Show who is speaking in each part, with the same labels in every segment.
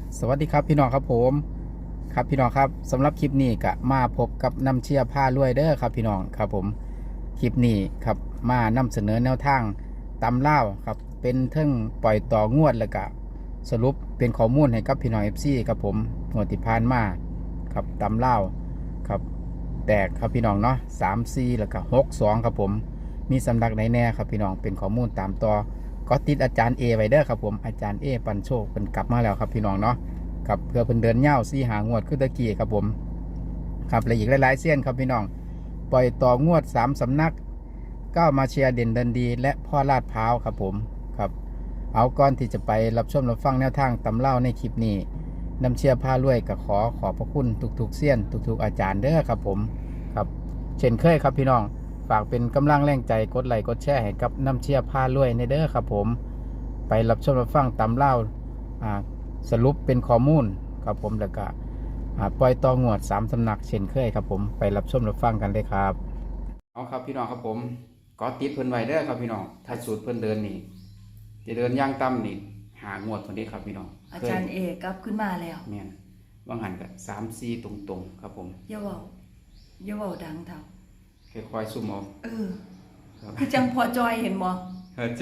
Speaker 1: สวัสดีครับพี่น้องครับผมครับพี่น้องครับสำหรับคลิปนี้ก็มาพบกับน้ำเชี่ยผ้ารวยเด้อครับพี่น้องครับผมคลิปนี้ครับมานำเสนอแนวทางตำเล่าวครับเป็นเทิงปล่อยต่องวดแล้วก็สรุปเป็นข้อมูลให้กับพี่น้อง FC ครับผมงวดที่ผ่านมาครับตำเล่าวครับแตกครับพี่น้องเนาะ3-4แล้วก็6-2ครับผมมีสำนักไหนแน่ครับพี่น้องเป็นข้อมูลตามต่อก็ติดอาจารย์เอไว้เด้อครับผมอาจารย์เอปันโชคเป็นกลับมาแล้วครับพี่น้องเนาะครับเพื่อเพิ่นเดินเง่า4 หางวดขึ้นตะกี้ครับผมครับและอีกหลายๆเส้นครับพี่น้องปล่อยต่องวด3 สำนักก้าวมาเชียร์เด่นเดินดีและพ่อลาดพร้าวครับผมครับเอาก่อนที่จะไปรับชมรับฟังแนวทางตำเล่าในคลิปนี้น้ำเชียร์ผ้ารวยก็ขอขอบพระคุณทุกๆเส้นทุกๆอาจารย์เด้อครับผมครับเช่นเคยครับพี่น้องฝากเป็นกำลังแรงใจกดไลค์กดแชร์ให้กับน้ำเชียร์ผ้ารวยในเด้อครับผมไปรับชมรับฟังตำเล่าสรุปเป็นข้อมูลครับผมแล้วก็ปล่อยต่องวด3 สำนักเช่นเคยครับผมไปรับชมรับฟังกันเลยครับเอาครับพี่น้องครับผมก็ติดเพิ่นไว้เด้อครับพี่น้องถ้าสูตรเพิ่นเดินนี่จะเดินย่างต่ำนี่หางวดคนนี้ครับพี่น้อง
Speaker 2: อาจารย์เอกกลับขึ้นมาแล้ว
Speaker 1: แม่นว่างหันกับ3-4ตรงๆครับผม
Speaker 2: อย่าเว้าดังเท่า
Speaker 1: ค่อยๆซุ่มเอา
Speaker 2: คือจังพอจอยเห็นบ่
Speaker 1: ใจ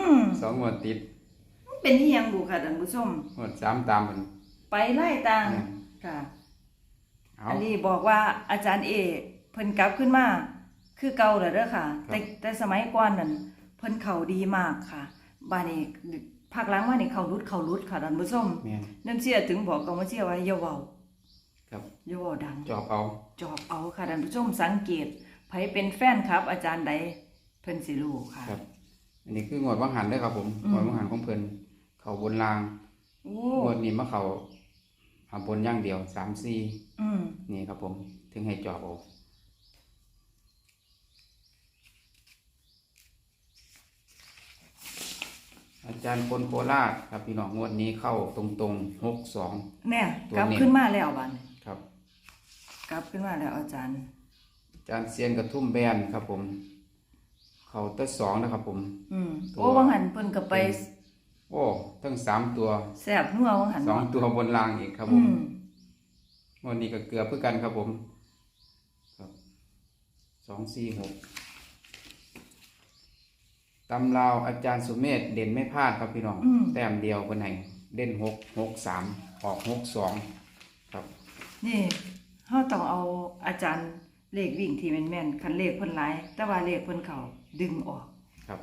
Speaker 1: 2 งวดติด
Speaker 2: เป็นอีหยังบุค่ะท่านผู้ชม
Speaker 1: งวด3ตามมัน
Speaker 2: ไปไล่ต่างค่ะอันนี้บอกว่าอาจารย์เอกเพิ่นกลับขึ้นมาคือเก่าแล้วเด้อค่ะแต่สมัยก่อนนั่นเพิ่นเข้าดีมากค่ะบัดนี้ภาคหลังว่านี่เข้ารุดค่ะท่านผู้ชมน้ำเชื่อถึงบอกกับว่าเชื่อว่าอย่าเว้า
Speaker 1: ครับ
Speaker 2: อย่าเว้าดัง
Speaker 1: จอบเอา
Speaker 2: ค่ะท่านผู้ชมสังเกตไผเป็นแฟนครับอาจารย์ใดเพิ่นสิรู้ค่ะ
Speaker 1: ครับอันนี้คืองวดว่างหันเด้อครับผมงวดว่างหันของเพิ่นเข้าบนรางงวดนี้มาเข้าบนอย่างเดียว3-4นี่ครับผมถึงให้จอบเอาอาจารย์คนโคราชครับพี่น้องงวดนี้เข้าตรงๆ
Speaker 2: เนี่ยกลับขึ้นมาแล้วบัดนี้
Speaker 1: ครับ
Speaker 2: กลับขึ้นมาแล้วอาจารย์
Speaker 1: เซียนกระทุ่มแบนครับผมเข้าตั้ง2นะครับผม
Speaker 2: โอ้วังหันเพิ่นก็ไป
Speaker 1: โอ้ทั้ง3 ตัว
Speaker 2: แซ่บนัววังหัน
Speaker 1: 2 ตัวบนรางอีกครับผมวันนี้ก็เกือบเพื่อกันครับผมครับ2-4-6ตำราวอาจารย์สุเมธเด่นไม่พลาดครับพี่น้องแต้มเดียวคนไหนเด่น6-6-3ออก6-2ครับ
Speaker 2: นี่เฮาต้องเอาอาจารย์เลขวิ่งที่แม่นๆคันเลขเพิ่นหลายแต่ว่าเลขเพิ่นเข้าดึงออก
Speaker 1: ครับ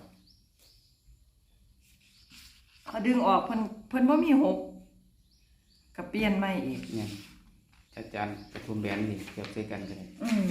Speaker 2: เขาดึงออกเพิ่นบ่มี6ก็เปลี่ยนใหม่อีก
Speaker 1: เนี่ยอาจารย์กระทุ่มแบนนี่เทียบใส่กันเลย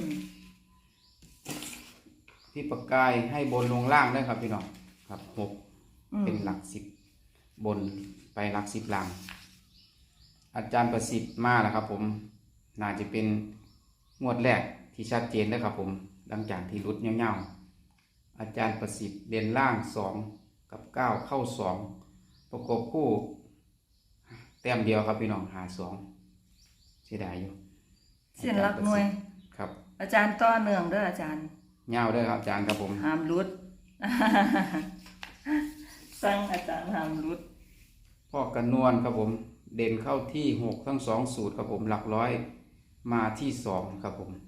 Speaker 1: พี่ประกายให้บนลงล่างได้ครับพี่น้องครับ6เป็นหลัก10บนไปหลัก10ล่างอาจารย์ประสิทธิ์มาแล้วครับผมน่าจะเป็นงวดแรกที่ชัดเจนนะครับผมหลังจากที่รุดเงี้ยวๆอาจารย์ประสิทธิ์เด่นล่าง2กับ9เข้า2ประกบคู่แต้มเดียวครับพี่น้อง52เสียดายอยู่
Speaker 2: เส้นหลักหน่วย
Speaker 1: ครับ
Speaker 2: อาจารย์ต่อเนื่องเด้ออาจารย์
Speaker 1: เงี้ยวด้วยครับอาจารย์ครับผม
Speaker 2: ห้ามรุดสั่งอาจารย์ห้ามรุด
Speaker 1: พ่อกันนวลครับผมเด่นเข้าที่6ทั้ง2สูตรครับผมหลักร้อยมาที่2ครับผม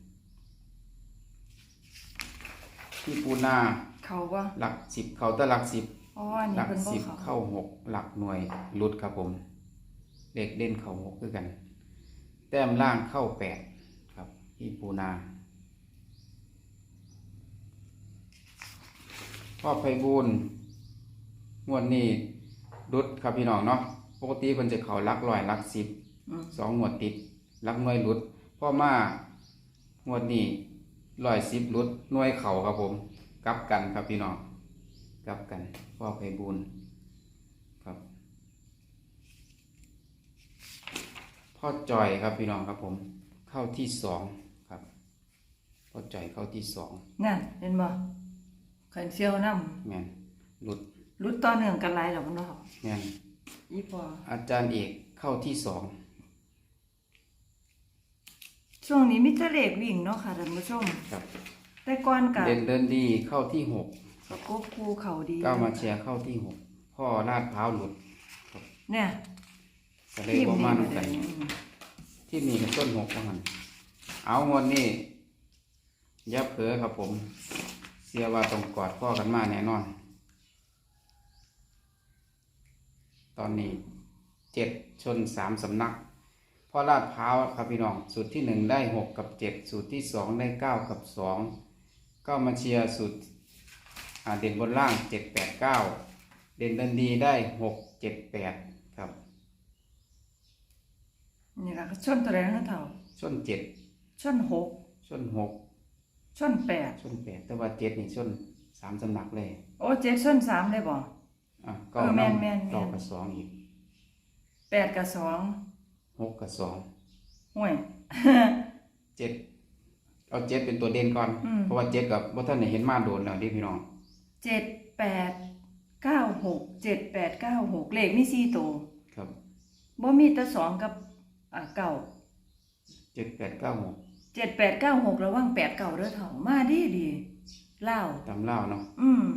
Speaker 1: ที่ปูนา
Speaker 2: เขาว่า
Speaker 1: หลัก10เขาแต่หลัก10หลัก10เข้า6หลักหน่วยรุดครับผมเด็กเด่นเข้า6ด้วยกันแต้มล่างเข้า8ครับที่ปูนาพ่อไพบูลย์งวดนี้รุดครับพี่น้องเนาะปกติเพิ่นจะเข้าหลักร้อยหลัก10 2 งวดติดหลักหน่วยรุดพ่อมางวดนี้110รุดหน่วยเข่าครับผมกลับกันครับพี่น้องกลับกันพ่อไพบูลย์ครับพ่อจ่อยครับพี่น้องครับผมเข้าที่2ครับพ่อจ่อยเข้าที่2
Speaker 2: นั่นเห็นบ่ขันเชียวนำ
Speaker 1: แม่น
Speaker 2: รุดต่อเนื่องกันหลายแล้วบ่เนาะ
Speaker 1: แม่น
Speaker 2: อีพอ
Speaker 1: อาจารย์เอกเข้าที่2
Speaker 2: ช่วงนี้มีแต่เลขวิ่งเนาะค่ะท่านผู้ชม
Speaker 1: ครับ
Speaker 2: แต่ก่อนก็
Speaker 1: เดินดีเข้าที่6
Speaker 2: ประกบคู่เข้าดี
Speaker 1: ก้าวมาเชียร์เข้าที่6พ่อลาดพร้าวหลุด
Speaker 2: เนี่ย
Speaker 1: ก็เลยบ่มานํกันที่นี่ก็ต้น6ว่าหั่นเอางวดนี้อย่าเผลอครับผมเชื่อว่าต้องกอดพ่อกันมาแน่นอน ตอนนี้7ชน3สำนักพ่อลาดพร้าวครับพี่น้องสูตรที่1ได้6กับ7สูตรที่2ได้9กับ2ก็มาเชียร์สูตรเด่นบนล่าง7 8 9เด่นดันดีได้6 7 8ครับ
Speaker 2: นี่ล่ะชนตัวใดนะเฒ่า
Speaker 1: ชน7
Speaker 2: ชน6
Speaker 1: ชน6
Speaker 2: ชน8
Speaker 1: ชน8แต่ว่า7นี่ชน3สำนักเลย
Speaker 2: โอ้7ชน3ได้บ่
Speaker 1: ก็
Speaker 2: แม่น
Speaker 1: เก้ากับ2อีก
Speaker 2: 8กับ
Speaker 1: 6กับ2
Speaker 2: ห่วย
Speaker 1: 7เอา7เป็นตัวเด่นก่อนเพราะว่า7กับบ่ทันได้เห็นมาโดนแล้วดิพี่น้อง
Speaker 2: 7 8 9 6 7 8 9 6เลขมี4ตัว
Speaker 1: ครับ
Speaker 2: บ่มีแต่2กับ9
Speaker 1: 7 8 9 6
Speaker 2: 7 8 9 6ระวัง8 9เด้อเฒ่ามาดีลาว
Speaker 1: ตำลาวเนาะ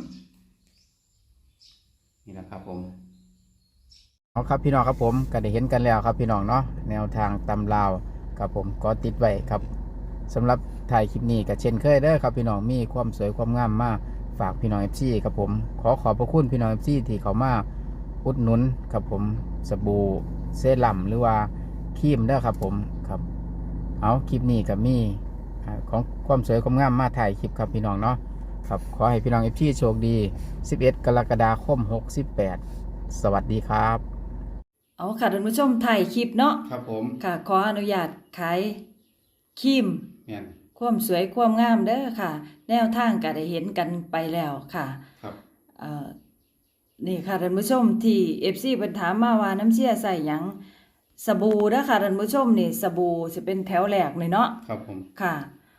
Speaker 1: นี่นะครับผมเอาครับพี่น้องครับผมก็ได้เห็นกันแล้วครับพี่น้องเนาะแนวทางตำลาวครับผมก็ติดไว้ครับสำหรับถ่ายคลิปนี้ก็เช่นเคยเด้อครับพี่น้องมีความสวยความงามมากฝากพี่น้อง FC ครับผมขอบพระคุณพี่น้อง FC ที่เขามาอุดหนุนครับผมสบู่เซรั่มหรือว่าครีมเด้อครับผมครับเอาคลิปนี้ก็มีของความสวยความงามมาถ่ายคลิปครับพี่น้องเนาะครับขอให้พี่น้อง FC โชคดี11 กรกฎาคม68สวัสดีครับ
Speaker 2: เอาค่ะท่านผู้ชมถ่ายคลิปเนาะ
Speaker 1: ครับผม
Speaker 2: ค่ะขออนุญาตขายครีม
Speaker 1: แม่น
Speaker 2: ความสวยความงามเด้อค่ะแนวทางก็ได้เห็นกันไปแล้วค่ะ
Speaker 1: ครับ
Speaker 2: นี่ค่ะท่านผู้ชมที่ FC เพิ่นถามมาว่าน้ำเชี่ยใส่หยังสบู่เด้อค่ะท่านผู้ชมนี่สบู่สิเป็นแถวแรกเลยเนาะ
Speaker 1: ครับผม
Speaker 2: ค่ะ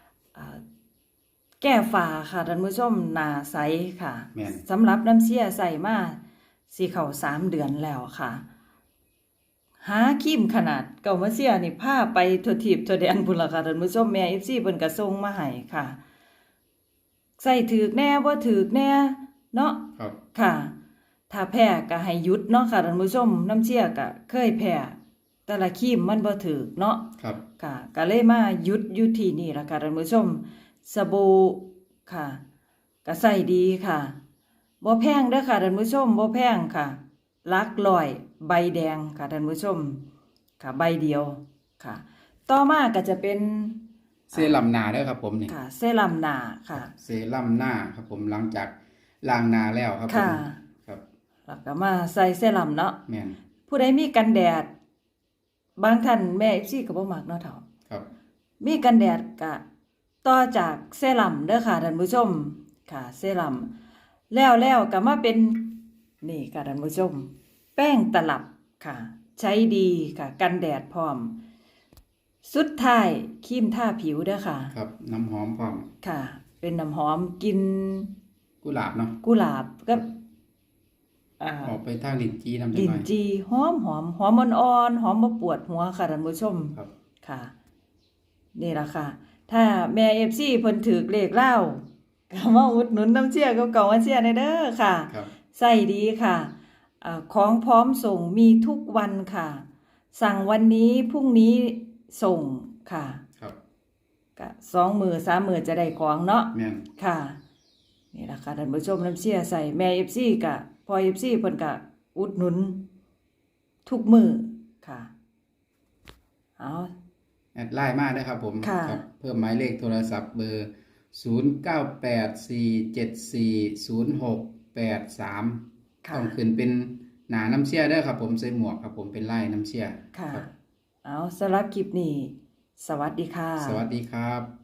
Speaker 2: แก้ฝ้าค่ะท่านผู้ชมหน้าใสค่ะสำหรับน้ำเชี่ยใส่มาสิเข้า3เดือนแล้วค่ะหาครีมขนาดเก่ามาเสียนี่พาไปทั่วทิพย์ทั่วแดนพุ่นล่ะค่ะท่านผู้ชมแม่ FC เพิ่นก็ส่งมาให้ค่ะใส่ถูกแน่บ่ถูกแน่เนาะ
Speaker 1: ครับ
Speaker 2: ค่ะถ้าแพ้ก็ให้หยุดเนาะค่ะท่านผู้ชมน้ำเชี่ยก็เคยแพ้แต่ละครีมมันบ่ถูกเนาะ
Speaker 1: ครับ
Speaker 2: ค่ะก็เลยมาหยุดอยู่ที่นี่ล่ะค่ะท่านผู้ชมสบู่ค่ะก็ใส่ดีค่ะบ่แพงเด้อค่ะท่านผู้ชมบ่แพงค่ะหลักร้อยใบแดงค่ะท่านผู้ชมค่ะใบเดียวค่ะต่อมาก็จะเป็น
Speaker 1: เซรั่มหน้าเด้อครับผมนี่
Speaker 2: ค่ะเซรั่มหน้าค่ะ
Speaker 1: เซรั่มหน้าครับผมหลังจากล้างหน้าแล้วครับผมครับ
Speaker 2: แล้วก็มาใส่เซรั่มเนาะ
Speaker 1: แม่น
Speaker 2: ผู้ใดมีกันแดดบางท่านแม่ FC ก็บ่มักเนาะเฒ่า
Speaker 1: ครับ
Speaker 2: มีกันแดดก็ต่อจากเซรั่มเด้อค่ะท่านผู้ชมค่ะเซรั่มแล้วก็มาเป็นนี่ค่ะท่านผู้ชมแป้งตลับค่ะใช้ดีค่ะกันแดดพร้อมสุดท้ายครีมทาผิวเด้อค่ะ
Speaker 1: ครับน้ำหอมพร้อม
Speaker 2: ค่ะเป็นน้ำหอมกลิ่น
Speaker 1: กุหลาบเนาะ
Speaker 2: กุหลาบกับ
Speaker 1: ออกไปทางลิ้นจีน้ำ
Speaker 2: ลิ้นจีหอมอ่อนๆหอมบ่ปวดหัวค่ะท่านผู้ชม
Speaker 1: ครับ
Speaker 2: ค่ะนี่ล่ะค่ะถ้าแม่ FC เพิ่นถือเลขเล่าก็มาอุดหนุนน้ำเชี่ยกับเก่ามาเชี่ยได้เด้อค่ะใส่ดีค่ะของพร้อมส่งมีทุกวันค่ะสั่งวันนี้พรุ่งนี้ส่งค่ะ
Speaker 1: ครับ
Speaker 2: ก็2 มื้อ 3 มื้อจะได้ของเนาะ
Speaker 1: แม่น
Speaker 2: ค่ะนี่ล่ะค่ะท่านผู้ชมน้ำเชี่ยใส่แม่ FC ก็พอ FC เพิ่นก็อุดหนุนทุกมื้อค่ะเอา
Speaker 1: แอดไลน์มาได้ครับผมครับเพิ่มหมายเลขโทรศัพท์เบอร์0984740683ต้องขึ้นเป็นหน้าน้ำเชี่ยได้ครับผมใส่หมวกครับผมเป็นไล่น้ำเชี่ย
Speaker 2: ค่ะเอาสำหรับคลิปนี้สวัสดีค่ะ
Speaker 1: สวัสดีครับ